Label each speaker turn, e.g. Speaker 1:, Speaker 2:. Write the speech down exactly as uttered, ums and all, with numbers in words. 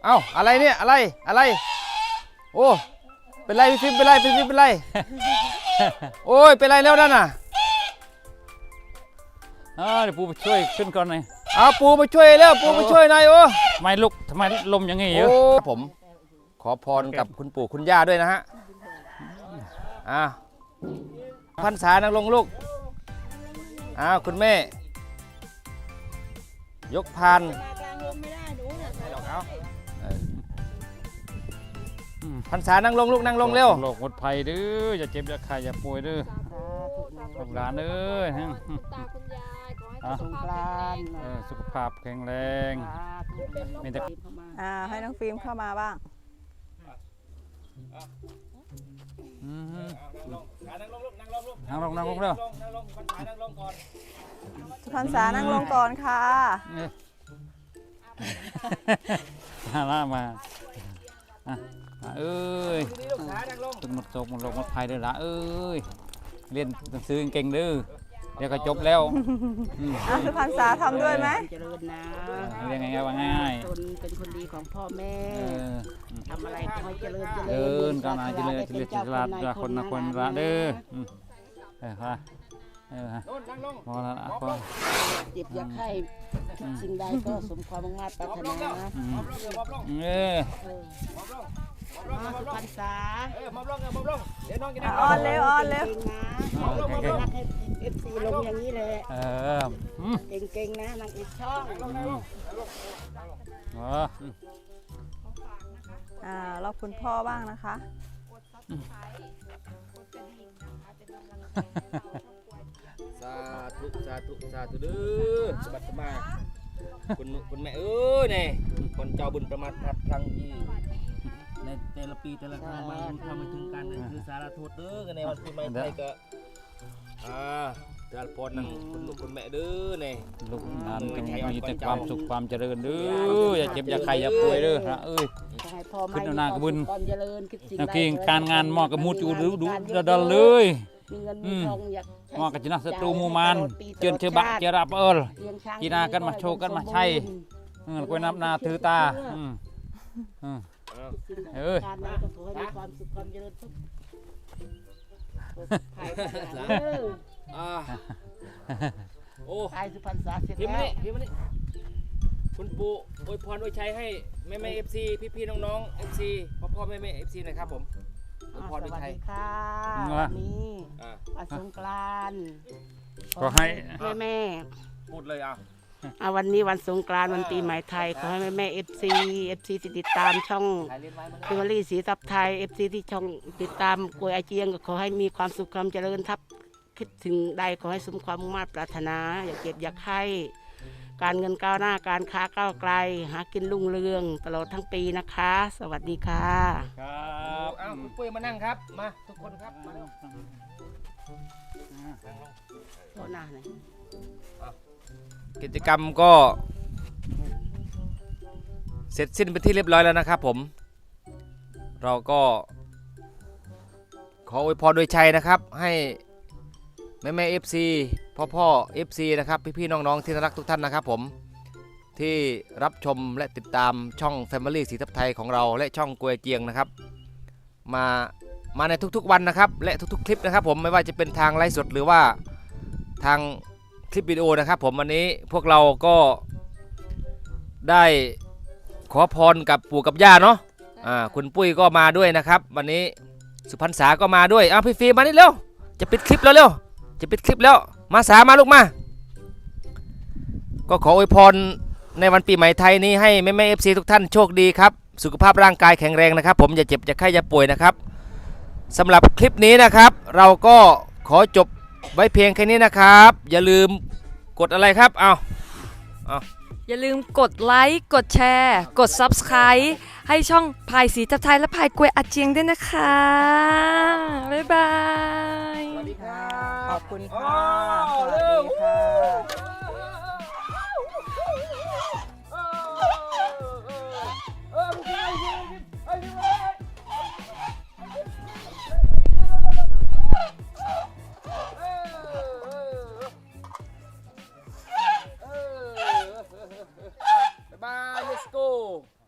Speaker 1: อ้าอะไรเนี่ยอะไรอะไรโอ้เป็นไรพี่ฟิล์มเป็นไรพี่ฟิล์มเป็นไรโอ้ยเป็นไรแล้วนั่นน่ะ
Speaker 2: เดี๋ยวปูไปช่วยขึ้นก่อนหน่อย
Speaker 1: เอาปูมาช่วยแล้วปูมาช่วยหน่อยโอ้
Speaker 2: ทำไมลุกทำไมลมอย่างงี้เยอะ
Speaker 1: ผมขอพรกับคุณปู่คุณย่าด้วยนะฮะอ่าพรรษานั่งลงลูกอ้าวคุณแม่ยกพานพรรษานั่งลงลูกนั่งลงเร็ว
Speaker 2: โรคหมดภัยเด้ออย่าเจ็บอย่าไข้อย่าป่วยเด้อลูกหลานเอ้ยตาคุณยายขอให้สุขภาพสุขภาพแข็งแรงมีแต่
Speaker 3: อ่าให้น้องฟิล์มเข้ามาบ้าง
Speaker 2: นั่งลงนั่งลงเร็ว
Speaker 3: พรรษานั่งลงก่อนค่ะ
Speaker 2: มาล่ามาเอ้ยตึงหมดโศกหมดโรคหมดภัยเด้อละเอ้ยเรียนหนังสือเก่งเด้อเดี๋ยวก็จบแล้ว
Speaker 3: อ่ะสุพรรษาทำด้วยไหม
Speaker 4: เจริญนะ
Speaker 2: เรียนง่ายๆว่าง่าย
Speaker 4: ตนเป็นคนดีของพ่อแม่ทำอะไรขอให้เจริญเจริญ
Speaker 2: เดินก้าวหน้าเจริญเจริญเจริญละคนละคนละเด้อเออฮะเออฮะพอละพอ
Speaker 4: เจ็บอยากให้สิ่งใดก็สมความมุ่งมั่นปรารถนา
Speaker 2: เออ
Speaker 4: มาสุพรรษา
Speaker 3: ออนเร็วออนเร็ว
Speaker 4: เอฟซีลงอย่างนี้เลย
Speaker 2: เออ
Speaker 4: เก่งๆนะนางอีกช่อง
Speaker 3: อ่ารอบคุณพ่อบ้างนะคะ
Speaker 1: สาธุสาธุสาธุเด้อสบัดสมาคุณคุณแม่เอ้ยเนี่ยคนเจ้าบุญประมาทพลัดพลั้งที่ในแต่ละปีแต่ละครั้งมาทำมาถึงกันคือสารทูตเด้อกันในวันปีใหม่ไทยก็อ่าเดือนพอนั่งคุณลูกคุณแม่เด้อเนี่ย
Speaker 2: ลูกหลานจงมีแต่ความสุขความเจริญเด้ออย่าเจ็บอย่าไข้อย่าป่วยเด้อพระเอ้ยขึ้นหน้ากระบุญนักเก่งการงานมอกกระมุดอยู่ดูดูดๆเลยมอกกระจินักศัตรูมูมานเจิญเชื่อบะเจราเปิลกีนากันมาโชว์กันมาใช่กล้วยน้ำนาถือตาเอ้ย
Speaker 4: การนั้นก็ขอให้มีความสุขความเจริญทุกภายในโอ้ภายสุพรรษาเสร็จแล้ว
Speaker 1: พี่มานี่คุณปู่อวยพรอวยชัยให้แม่แม่เอฟซีพี่พี่น้องๆเอฟซีพ่อพ่อแม่แม่เอฟซีนะครับผมอวยพรอวยชัย
Speaker 4: ค่ะวันนี้วันสงกรานต์
Speaker 2: ขอให้
Speaker 4: แม่แม่
Speaker 1: พูดเลยอ่ะ
Speaker 4: เอาวันนี้วันสงกรานต์วันปีใหม่ไทยขอให้แม่แม่เอฟซีเอฟซีติดตามช่องเฟมิลี่สีทับไทยเอฟซีที่ช่องติดตามกวยอาเจียงก็ขอให้มีความสุขความเจริญทับคิดถึงใดขอให้สมความมุ่งมั่นปรารถนาอย่าเก็บอย่าไข้การเงินก้าวหน้าการค้าก้าวไกลหากินรุ่งเรืองตลอดทั้งปีนะคะสวัสดีค่ะ
Speaker 1: ครับอ้าวคุณปุ้ยมานั่งครับมาทุกคนครับมา
Speaker 4: โทษนะเลย
Speaker 1: กิจกรรมก็เสร็จสิ้นไปที่เรียบร้อยแล้วนะครับผมเราก็ขออวยพรโดยชัยนะครับให้แม่แม่เอฟซีพ่อพ่อเอฟซีนะครับพี่พี่น้องๆที่รักทุกท่านนะครับผมที่รับชมและติดตามช่อง Family สีทับไทยของเราและช่องกวยเจียงนะครับมามาในทุกๆวันนะครับและทุกๆคลิปนะครับผมไม่ว่าจะเป็นทางไลฟ์สดหรือว่าทางคลิปวิดีโอนะครับผมวันนี้พวกเราก็ได้ขอพรกับปู่กับย่าเนาะอ่าคุณปุ้ยก็มาด้วยนะครับวันนี้สุพรรษาก็มาด้วยอ้าวพี่ฟิล์มมานี่เร็วจะปิดคลิปแล้วเร็วจะปิดคลิปแล้วมาสามาลูกมาก็ขออวยพรในวันปีใหม่ไทยนี้ให้แม่แม่เอฟซีทุกท่านโชคดีครับสุขภาพร่างกายแข็งแรงนะครับผมอย่าเจ็บอย่าไข้อย่าป่วยนะครับสำหรับคลิปนี้นะครับเราก็ขอจบไว้เพียงแค่นี้นะครับอย่าลืมกดอะไรครับเอาเอา
Speaker 5: อย่าลืมกดไลค์กดแชร์กด ซับสไครบ์ ให้ช่องพายสีทับไทยและพายกวยอาเจียงด้วยนะคะบ๊ายบาย
Speaker 3: สวัสดีค่ะขอบคุณค่ะสวัสดีค่ะ
Speaker 1: Bye, let's go.